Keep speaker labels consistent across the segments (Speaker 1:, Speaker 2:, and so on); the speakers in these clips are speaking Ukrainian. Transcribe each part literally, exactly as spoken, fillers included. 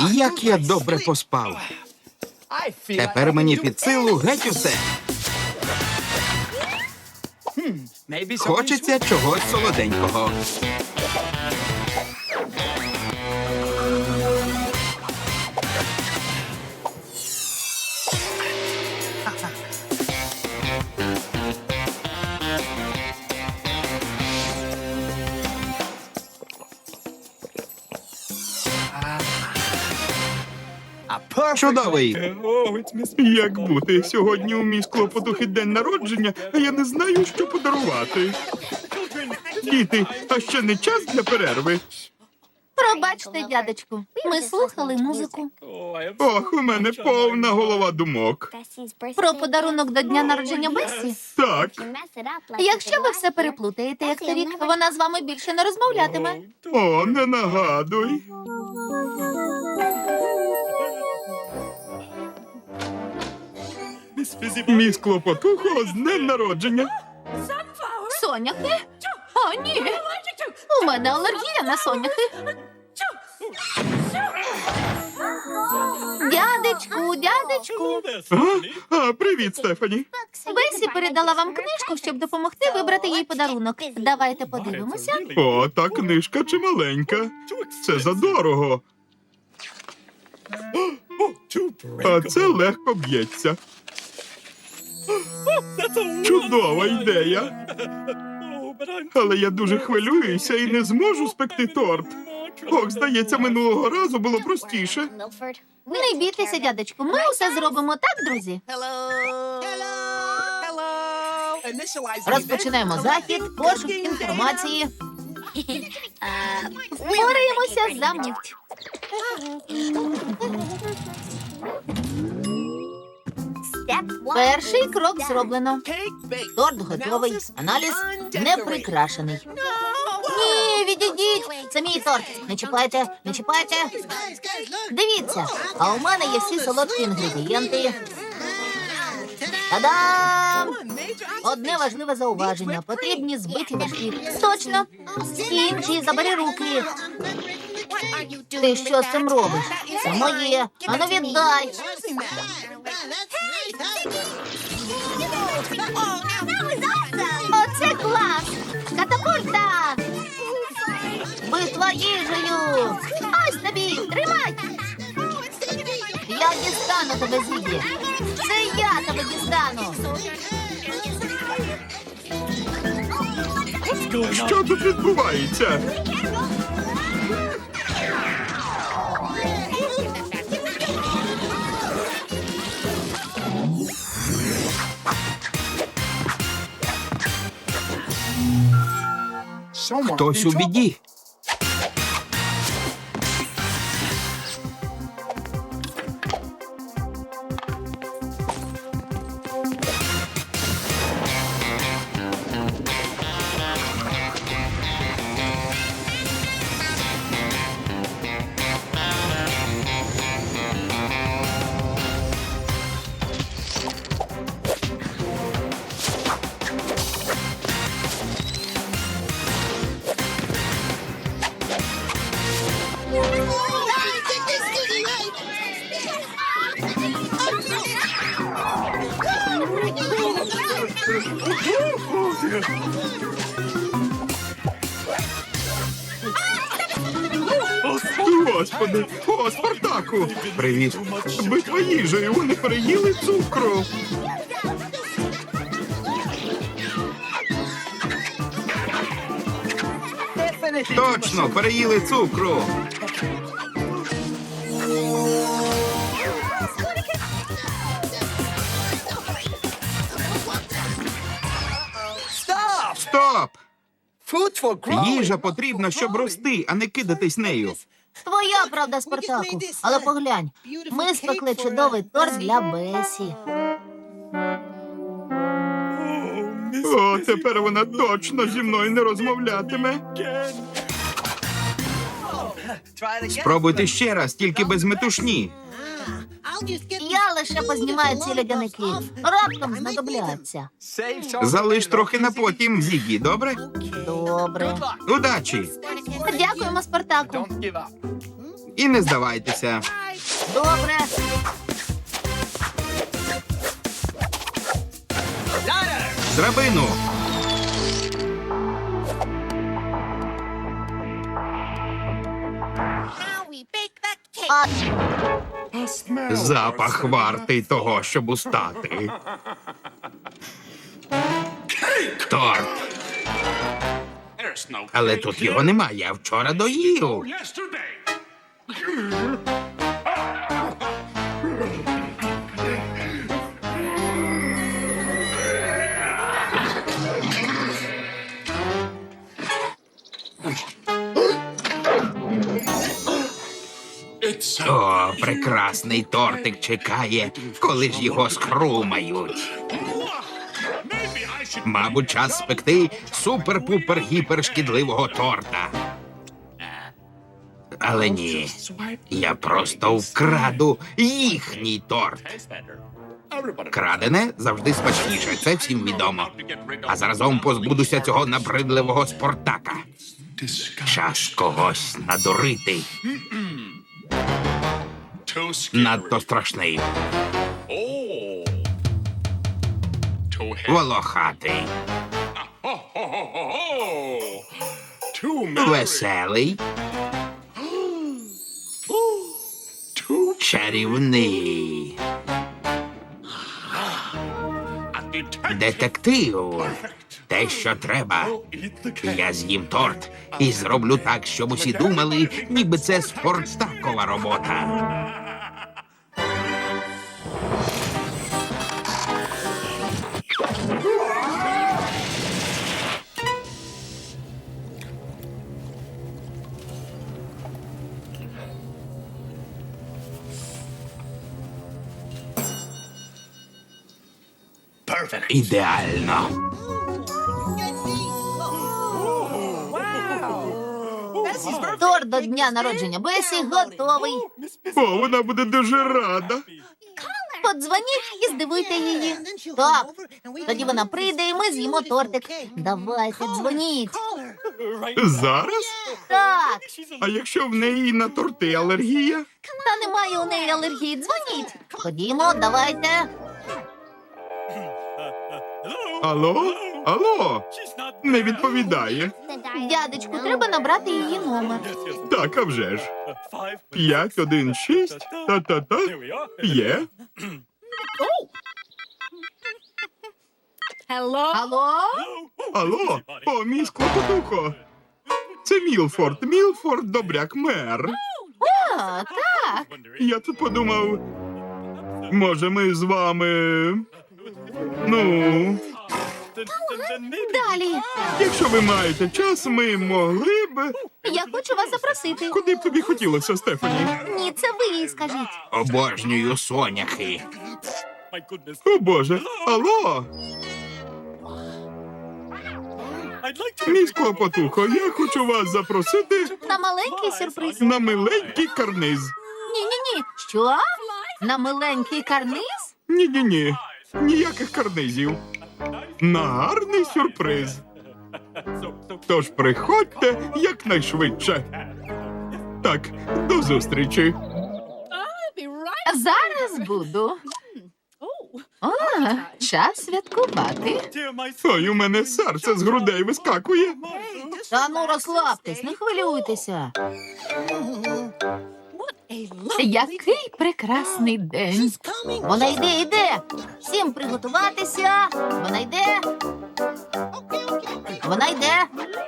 Speaker 1: Як я добре поспав. Тепер мені під силу геть усе. Хочеться чогось солоденького. Чудовий. Як бути? Сьогодні у мій клопотухи день народження, а я не знаю, що подарувати. Діти, а ще не час для перерви?
Speaker 2: Пробачте, дядечку, ми слухали музику.
Speaker 1: Ох, у мене повна голова думок.
Speaker 2: Про подарунок до дня народження Бесі.
Speaker 1: Так.
Speaker 2: Якщо ви все переплутаєте, як торік, вона з вами більше не розмовлятиме.
Speaker 1: О, не нагадуй. Мій клопотухо з днем народження.
Speaker 2: Соняхи? О, ні. У мене алергія на соняхи. Дядечку, дядечку.
Speaker 1: А, а привіт, Стефані.
Speaker 2: Бесі передала вам книжку, щоб допомогти вибрати їй подарунок. Давайте подивимося.
Speaker 1: О, та книжка чималенька. Це задорого. А це легко б'ється. Чудова ідея. Але я дуже хвилююся і не зможу спекти торт. Ох, здається, минулого разу було простіше.
Speaker 2: Не бійтеся, дядечку, ми усе зробимо так, друзі. Розпочинаємо захід, пошук інформації. Впораємося за мить. Перший крок зроблено. Торт готовий, аналіз не прикрашений. Ні, відійдіть, це мій торт. Не чіпайте, не чіпайте. Дивіться, а у мене є всі солодкі інгредієнти. Та-дам! Одне важливе зауваження. Потрібні збиті вершки. Точно. Інші забери руки. Ти що з цим робиш? Це моє. Ану віддай. Оце клас! Катапульта! Битва їжею! Ось тобі! Тримай! Я дістану тебе, Зігі! Це я тебе дістану!
Speaker 1: Що тут відбувається? Хтось у біді. Господи, о, Спартаку! Привіт. Битва їжею, вони переїли цукру. Точно, переїли цукру. Стоп! Їжа потрібна, щоб рости, а не кидатись нею.
Speaker 2: Твоя правда, Спартаку. Але поглянь, ми спекли чудовий торт для Бесі.
Speaker 1: О, тепер вона точно зі мною не розмовлятиме. Спробуйте ще раз, тільки без метушні.
Speaker 2: Я лише познімаю ці льодяники. Раптом знадобляться.
Speaker 1: Залиш трохи на потім, Зігі, добре?
Speaker 2: Добре.
Speaker 1: Удачі!
Speaker 2: Дякуємо, Спартаку.
Speaker 1: І не здавайтеся.
Speaker 2: Добре.
Speaker 1: З драбину.
Speaker 2: А,
Speaker 1: Запах вартий того, щоб устати. Торт. Але тут його немає, я вчора доїв. О, прекрасний тортик чекає, коли ж його схрумають. Мабуть, час спекти супер-пупер-гіпер шкідливого торта. Але ні, я просто вкраду їхній торт. Крадене завжди смачніше, це всім відомо. А заразом позбудуся цього набридливого Спартака. Час когось надурити. Надто страшний. Волохатий. Веселий. Чарівний. Детектив. Те, що треба. Я з'їм торт і зроблю так, щоб усі думали, ніби це Спартакова робота. Ідеально.
Speaker 2: торт до дня народження Бесі готовий.
Speaker 1: О, вона буде дуже рада.
Speaker 2: Подзвоніть і здивуйте її. Так, тоді вона прийде і ми з'їмо тортик. Давайте, дзвоніть.
Speaker 1: Зараз?
Speaker 2: Так,
Speaker 1: А якщо в неї на торти алергія?
Speaker 2: та немає у неї алергії. Дзвоніть. Ходімо, давайте.
Speaker 1: Алло? Алло? Не відповідає.
Speaker 2: Дядечку, треба набрати її номер.
Speaker 1: Так, а вже ж. П'ять, один, шість. Та-та-та. Є.
Speaker 2: Алло?
Speaker 1: Алло? О, мій склопотухо. Це Мілфорд. Мілфорд Добряк, мер.
Speaker 2: О, так.
Speaker 1: Я тут подумав, може ми з вами... Ну,
Speaker 2: Далі.
Speaker 1: якщо ви маєте час, ми могли б...
Speaker 2: Я хочу вас запросити.
Speaker 1: Куди б тобі хотілося, Стефані?
Speaker 2: Ні, це ви їй скажіть.
Speaker 1: Обожнюю соняхи. О, Боже. Алло? Мій склопотухо, я хочу вас запросити
Speaker 2: На маленький сюрприз.
Speaker 1: на миленький карниз.
Speaker 2: Ні-ні-ні. Що? На миленький карниз?
Speaker 1: Ні-ні-ні, ніяких карнизів. На гарний сюрприз. Тож приходьте якнайшвидше. Так, до зустрічі.
Speaker 2: Зараз буду. О, час святкувати.
Speaker 1: Ой, у мене серце з грудей вискакує.
Speaker 2: Та ну розслабтесь, не хвилюйтеся. Який прекрасний день. Вона йде, йде. Всім приготуватися. Вона йде. Вона йде.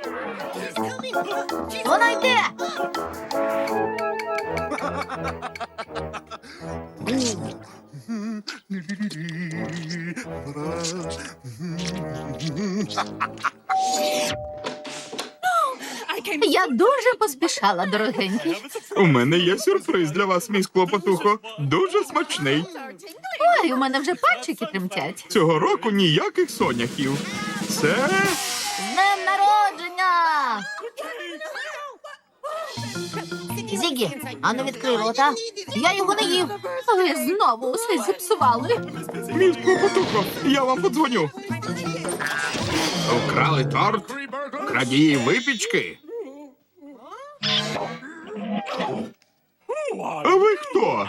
Speaker 2: Вона йде. Я дуже поспішала, дорогенький.
Speaker 1: У мене є сюрприз для вас, мій склопотухо. Дуже смачний.
Speaker 2: Ой, у мене вже пальчики тремтять.
Speaker 1: Цього року ніяких соняхів. Це...
Speaker 2: З днем народження! Зігі, ану відкрий рота. Я його не їв. Ви знову усе зіпсували.
Speaker 1: Мій склопотухо, я вам подзвоню. Украли торт? Крадії випічки? А ви хто?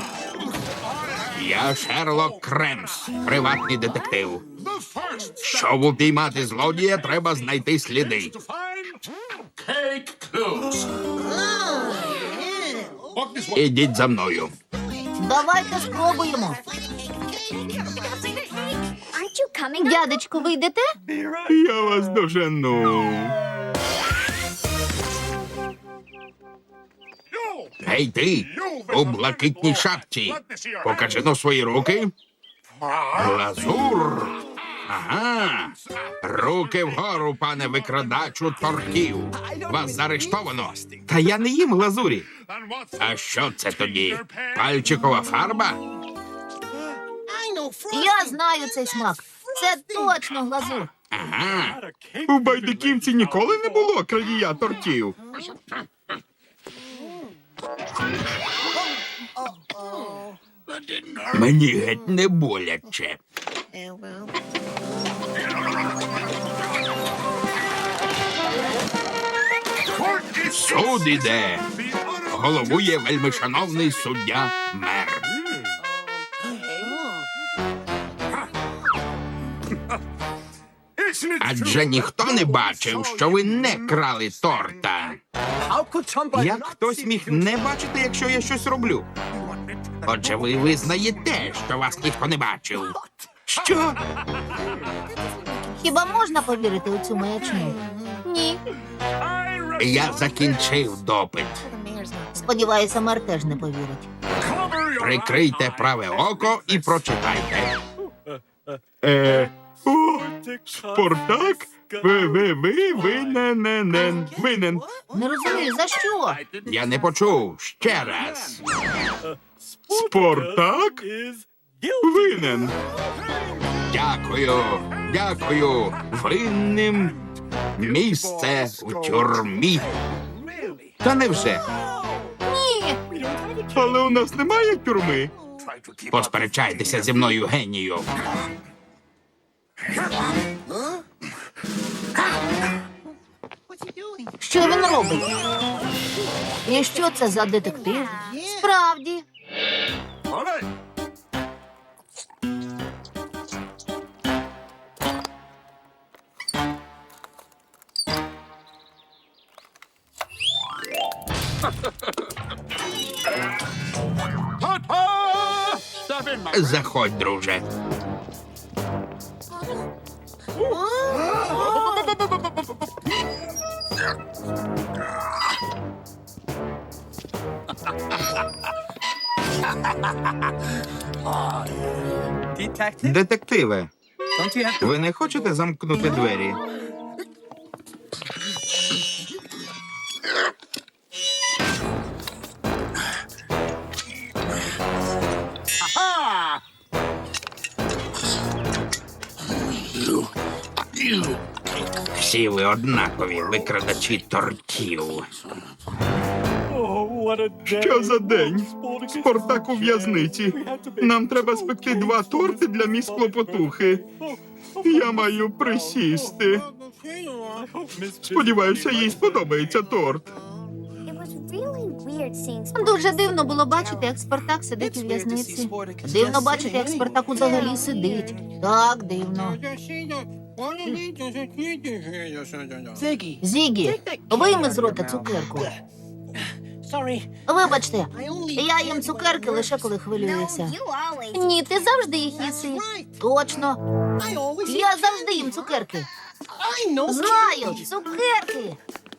Speaker 3: Я Шерлок Кремс, приватний детектив. Щоб упіймати злодія, треба знайти сліди. Ідіть за мною.
Speaker 2: Давайте спробуємо. Дядечко, ви йдете?
Speaker 1: Я вас дожену.
Speaker 3: Гей ти, у блакитній шапці. Покажи но свої руки. Глазур. Ага. Руки вгору, пане викрадачу тортів. Вас заарештовано.
Speaker 1: Та я не їм глазурі.
Speaker 3: А що це тоді? Пальчикова фарба?
Speaker 2: Я знаю цей смак. Це точно глазур.
Speaker 3: Ага.
Speaker 1: У байдиківці ніколи не було крадія тортів.
Speaker 3: Мені геть не боляче. Суд іде. Головує вельмишановний суддя мер. Адже ніхто не бачив, що ви не крали торта.
Speaker 1: Як хтось міг не бачити, якщо я щось роблю?
Speaker 3: Отже, ви визнаєте, що вас ніхто не бачив.
Speaker 1: Що?
Speaker 2: Хіба можна повірити у цю маячню? Ні.
Speaker 3: Я закінчив допит.
Speaker 2: Сподіваюся, мер теж не повірить.
Speaker 3: Прикрийте праве око і прочитайте.
Speaker 1: Е, о, Спартак? Ви, ви, ви, винен, винен.
Speaker 2: Не розумію, за що?
Speaker 3: Я не почув. Ще раз.
Speaker 1: Спартак? Винен.
Speaker 3: Дякую, дякую. Винним місце у тюрмі.
Speaker 1: Та невже?
Speaker 2: Ні.
Speaker 1: Але у нас немає тюрми.
Speaker 3: Посперечайтеся зі мною, генію.
Speaker 2: Що він робить? І що це за детектив? Справді.
Speaker 3: Заходь, друже.
Speaker 1: Детективе, ви не хочете замкнути двері?
Speaker 3: Всі ви однакові викрадачі тортів.
Speaker 1: Що за день? Спартак у в'язниці. Нам треба спекти два торти для міс Клопотухи. Я маю присісти. Сподіваюся, їй сподобається торт.
Speaker 2: Дуже дивно було бачити, як Спартак сидить у в'язниці. Дивно бачити, як Спартак взагалі сидить. Так, дивно. Зігі, вийми з рота цукерку. Вибачте, я їм цукерки лише коли хвилююся. Ні, ти завжди їх їси. Точно. Я завжди їм цукерки. Знаю, цукерки.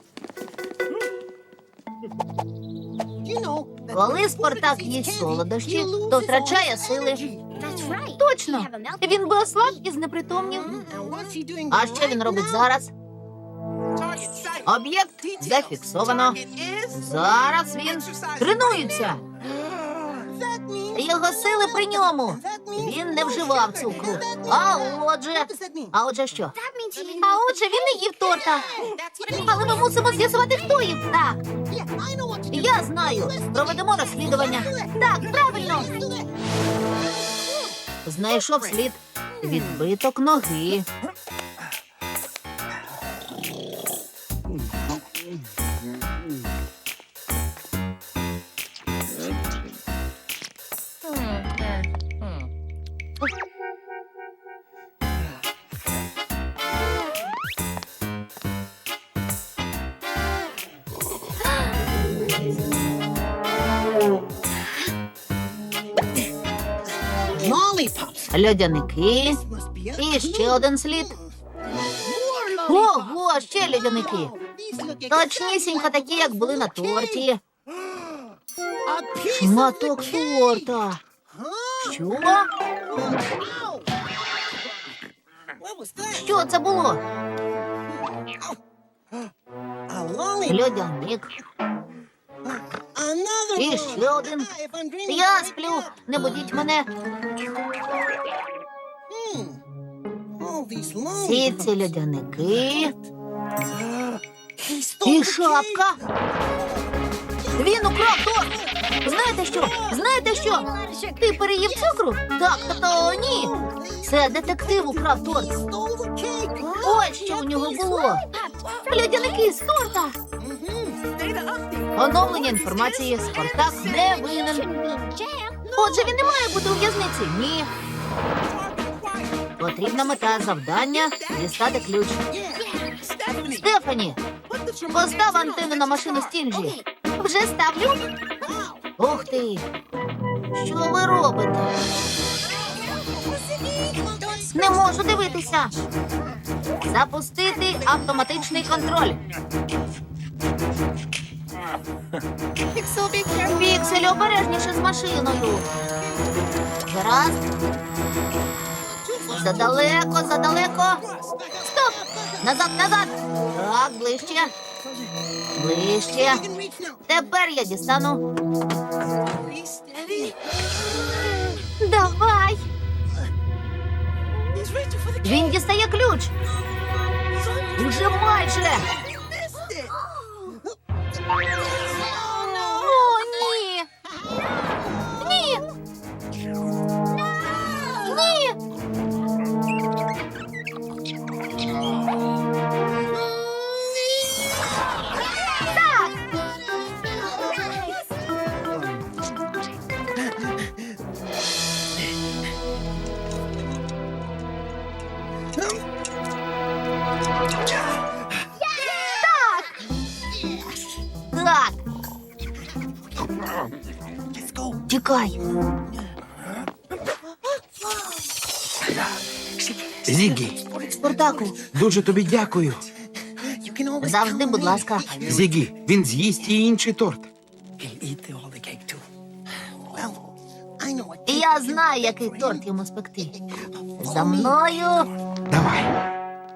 Speaker 2: Коли Спартак їсть солодощі, то втрачає сили. Точно. Він би ослаб і знепритомнів. А що він робить зараз? Об'єкт зафіксовано. Зараз він тренується. Його сили при ньому. Він не вживав цукру. А отже... А отже що? А отже він не їв торта. Але ми мусимо з'ясувати, хто їв. Так. Я знаю. Проведемо розслідування. Так, правильно. Знайшов слід. Відбиток ноги. Льодяники. І ще один слід. Ого, ще льодяники. Точнісінько такі, як були на торті. Шматок торта. Що? Що це було? Льодяник. І ще один. Я сплю, не будіть мене. Всі ці льодяники. І шапка. Він украв торт. Знаєте що? Знаєте що? Ти переїв цукру? Так, тобто ні. Це детектив украв торт. Ось що у нього було. Льодяники з торта. Оновлення інформації. Спартак не винен. Отже, він не має бути у в'язниці? Ні. Потрібна мета завдання – дістати ключ. Стефані, постав антенну на машину Стінджі. Вже ставлю? Ух ти! Що ви робите? Не можу дивитися. Запустити автоматичний контроль. Піксель, обережніше з машиною. Гаразд. Задалеко, задалеко. Стоп! Назад, назад. Так, ближче. Ближче. Тепер я дістану. Давай. Він дістає ключ. Уже майже. О, ні. Ні. Ні. Так. Так. Тікай.
Speaker 3: Зігі,
Speaker 2: Спартаку,
Speaker 3: дуже тобі дякую.
Speaker 2: завжди, будь ласка.
Speaker 3: Зігі, він з'їсть і інший торт.
Speaker 2: Я знаю, який торт йому спекти. За мною.
Speaker 3: Давай.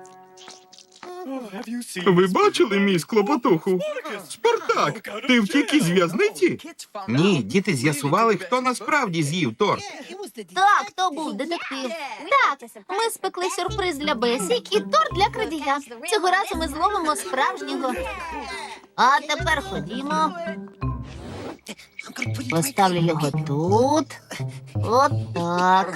Speaker 1: Ви бачили мій клопотуху? Спартак, ти втік із в'язниці?
Speaker 3: Ні, діти з'ясували, хто насправді з'їв торт.
Speaker 2: Так, то був детектив. Так, ми спекли сюрприз для Бесі і торт для крадія. Цього разу ми зловимо справжнього. А тепер ходімо. Поставлю його тут. От так.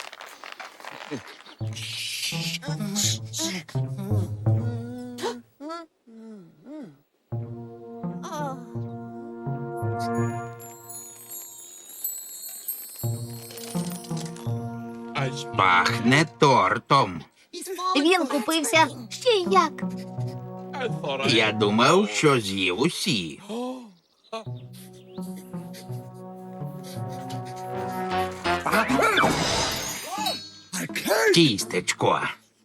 Speaker 3: Пахне тортом.
Speaker 2: Він купився ще й як.
Speaker 3: Я думав, що з'їв усі. Тістечко.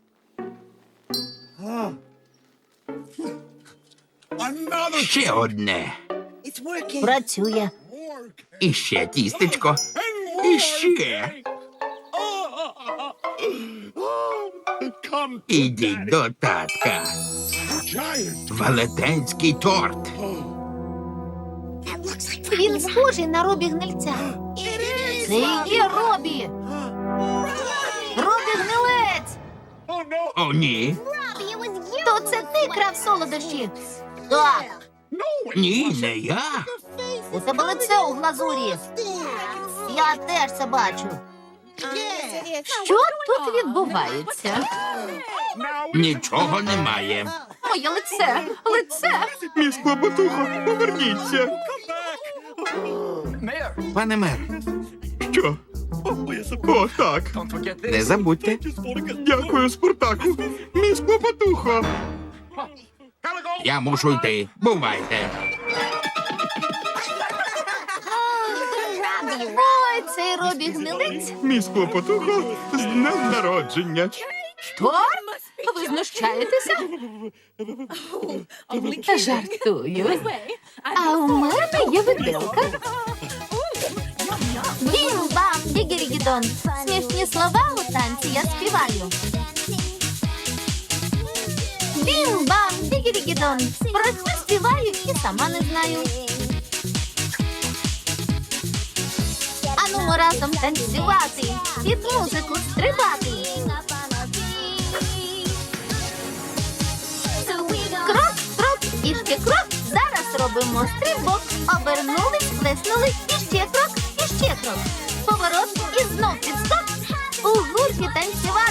Speaker 3: Ще одне.
Speaker 2: Працює.
Speaker 3: І ще тістечко. І ще. Ідіть до татка. Велетенський торт.
Speaker 2: Він схожий на Робі Гнильця. Це і є Робі. Робі Гнилець.
Speaker 3: О, ні.
Speaker 2: То це ти крав солодощі? Так.
Speaker 3: Ні, не я.
Speaker 2: У тебе лице у глазурі. Я теж це бачу. Що тут відбувається?
Speaker 3: Нічого немає.
Speaker 2: Моє лице, лице.
Speaker 1: Мій клопотухо, поверніться.
Speaker 3: Пане мер,
Speaker 1: Що? О, так.
Speaker 3: не забудьте.
Speaker 1: Дякую, Спартаку. Мій клопотухо.
Speaker 3: Я мушу йти. Бувайте.
Speaker 2: Ой, цей Робі гнилець.
Speaker 1: Мій склопотухо, з днем народження.
Speaker 2: Торт? Ви знущаєтеся? Жартую. А у мене є виделка. Бім-бам, дігірігідон. Смішні слова у танці я співаю. Бім-бам, дігірігідон. Про що співаю і сама не знаю. Ану разом танцювати, під музику стрибати. Крок, крок і ще крок. Зараз робимо стрибок. Обернулись, плеснули, і ще крок, і ще крок. Поворот і знов підскок. У гурті танцювати.